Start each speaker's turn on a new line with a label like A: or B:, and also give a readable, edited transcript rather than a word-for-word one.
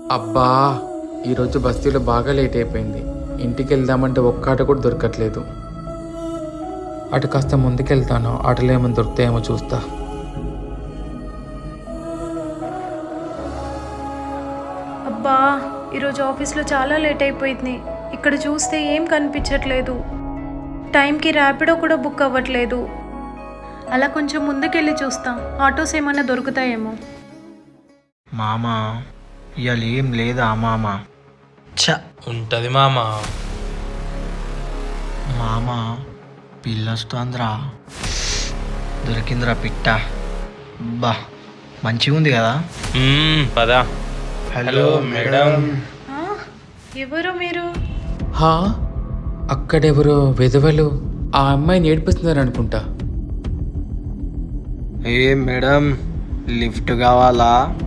A: అబ్బా, ఈరోజు బస్తీలో బాగా లేట్ అయిపోయింది. ఇంటికి వెళ్దామంటే ఒక్క ఆట కూడా దొరకట్లేదు. అటు కాస్త ముందుకెళ్తాను, ఆటలు ఏమైనా దొరుకుతాయేమో చూస్తా.
B: అబ్బా, ఈరోజు ఆఫీస్లో చాలా లేట్ అయిపోయింది. ఇక్కడ చూస్తే ఏం కనిపించట్లేదు. టైంకి ర్యాపిడో కూడా బుక్ అవ్వట్లేదు. అలా కొంచెం ముందుకెళ్ళి చూస్తా, ఆటోస్ ఏమైనా దొరుకుతాయేమో.
C: మామా ఇవాళ ఏం లేదా మామా?
D: ఉంటది మామ.
C: మామా పిల్లొస్తుందిరా, దొరికిందిరా పిట్ట. బా మంచిగా ఉంది కదా.
D: పదా.
C: Hello madam.
B: ఆ, ఎవరు మీరు?
A: హా, అక్కడెవరో విధవలు ఆ అమ్మాయిని ఏడిపిస్తున్నారు అనుకుంటా.
C: ఏ మేడం, లిఫ్ట్ కావాలా?